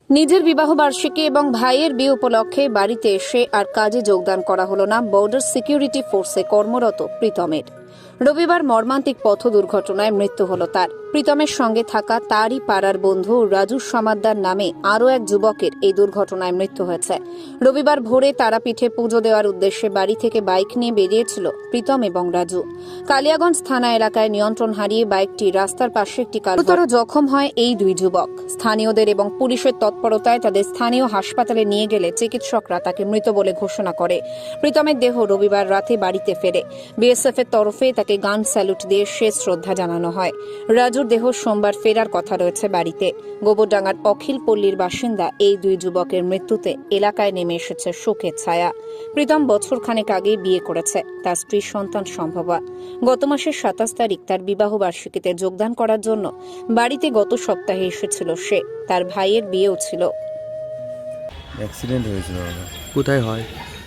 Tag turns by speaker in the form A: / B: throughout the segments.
A: নিজের বিবাহবার্ষিকী এবং ভাইয়ের বিয়ে উপলক্ষে বাড়িতে এসে আর কাজে যোগদান করা হলো না বর্ডার সিকিউরিটি ফোর্সে কর্মরত প্রীতমের। রবিবার মর্মান্তিক পথ দুর্ঘটনায় মৃত্যু হল তার। প্রীতমের সঙ্গে থাকা তারই পাড়ার বন্ধু রাজু সমাদ্দার নামে আরও এক যুবকের এই দুর্ঘটনায় মৃত্যু হয়েছে। রবিবার ভোরে তারাপীঠে পুজো দেওয়ার উদ্দেশ্যে বাড়ি থেকে বাইক নিয়ে বেরিয়েছিল প্রীতম এবং রাজু। কালিয়াগঞ্জ থানা এলাকায় নিয়ন্ত্রণ হারিয়ে বাইকটি রাস্তার পাশে একটি গুরুতর জখম হয় এই দুই যুবক। স্থানীয়দের এবং পুলিশের তৎপরতায় তাদের স্থানীয় হাসপাতালে নিয়ে গেলে চিকিৎসকরা তাকে মৃত বলে ঘোষণা করে। প্রীতমের দেহ রবিবার রাতে বাড়িতে ফেরে। বিএসএফ এর তরফে তাকে গান স্যালুট দিয়ে শেষ শ্রদ্ধা জানানো হয়। রাজুর দেহ সোমবার ফেরার কথা রয়েছে বাড়িতে। গোবরডাঙ্গার অখিল পল্লীর বাসিন্দা এই দুই যুবকের মৃত্যুতে এলাকায় নেমে এসেছে শোকের ছায়া। প্রীতম বছরখানেক আগেই বিয়ে করেছে, তার স্ত্রীর সন্তান সম্ভবা। গত মাসের 27 তারিখ তার বিবাহ বার্ষিকীতে যোগদান করার জন্য বাড়িতে গত সপ্তাহে এসেছিল সে। তার ভাইয়ের বিয়েও ছিল।
B: অ্যাক্সিডেন্ট হয়েছিল।
C: কোথায় হয়?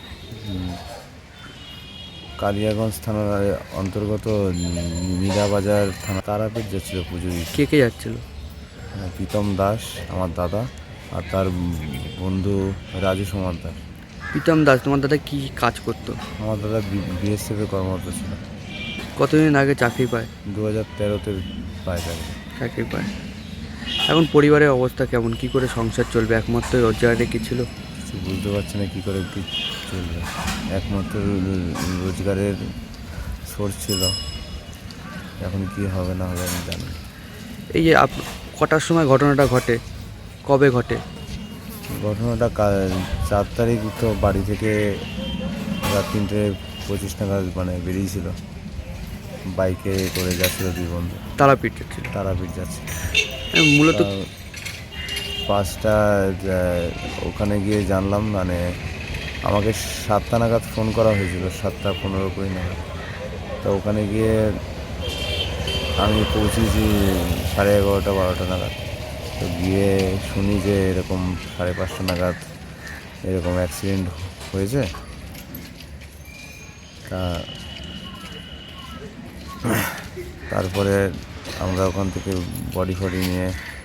B: কালিয়াগঞ্জ থানার অন্তর্গত মীরাবাজার থানা। তারাপীঠ যাচ্ছিল পুজো দিতে।
C: কে কে যাচ্ছিল?
B: প্রীতম দাস আমার দাদা, আর তার বন্ধু রাজু সমাদ্দার।
C: প্রীতম দাস তোমার দাদা কি কাজ করতো?
B: আমার দাদা বিএসএফে কর্মরত ছিল।
C: কতদিন আগে চাকরি পায়?
B: 2013-তে পায়
C: চাকরি পায়। এখন পরিবারের অবস্থা কেমন? কি করে সংসার চলবে? একমাত্র রোজগারে কি ছিল?
B: কিছু বুঝতে পারছি না কী করে কি চলবে। একমাত্র রোজগারের সোর্স ছিল, এখন কি হবে না হবে আমি জানি না।
C: এই যে কটার সময় ঘটনাটা ঘটে? কবে ঘটে
B: ঘটনাটা 4 তারিখ তো বাড়ি থেকে রাত 3:25 নাগাদ বেরিয়েছিল, বাইকে করে যাচ্ছিল দুই বন্ধু।
C: তারাপীঠ ছিল?
B: তারাপীঠ যাচ্ছে
C: মূলত
B: 5টা। ওখানে গিয়ে জানলাম আমাকে 7টা নাগাদ ফোন করা হয়েছিল, 7:15 নাগাদ। তো ওখানে গিয়ে আমি পৌঁছেছি 11:30-12টা নাগাদ। তো গিয়ে শুনি যে এরকম 5:30 নাগাদ এরকম অ্যাক্সিডেন্ট হয়েছে। তারপরে আমরা ওখান থেকে বডি নিয়ে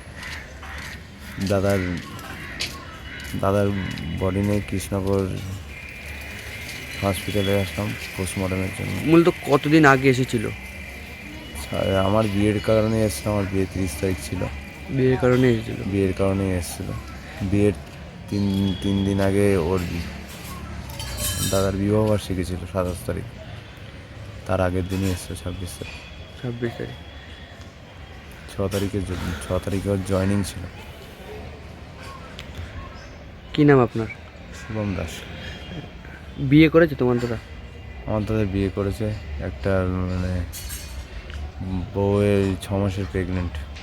B: দাদার বডি নিয়ে কৃষ্ণনগর হসপিটালে আসলাম পোস্টমর্টমের জন্য।
C: মূলত কতদিন আগে এসেছিল?
B: আমার বিয়ের কারণে এসেছিল, আমার বিয়ে 30 তারিখ ছিল।
C: বিয়ের কারণে এসেছিল?
B: বিয়ের কারণেই এসেছিল। বিয়ের তিন দিন আগে ওর দাদার বিবাহবার্ষিকী ছিল 27 তারিখ, তার আগের দিনই এসেছিল 26 তারিখ।
C: 26 তারিখ।
B: 6 তারিখে ওর জয়েনিং ছিল।
C: কি নাম আপনার?
B: শুভম দাস।
C: বিয়ে করেছে তোমার দাদা?
B: আমার দাদা বিয়ে করেছে, একটা বউয়ের 6 মাসের প্রেগনেন্ট।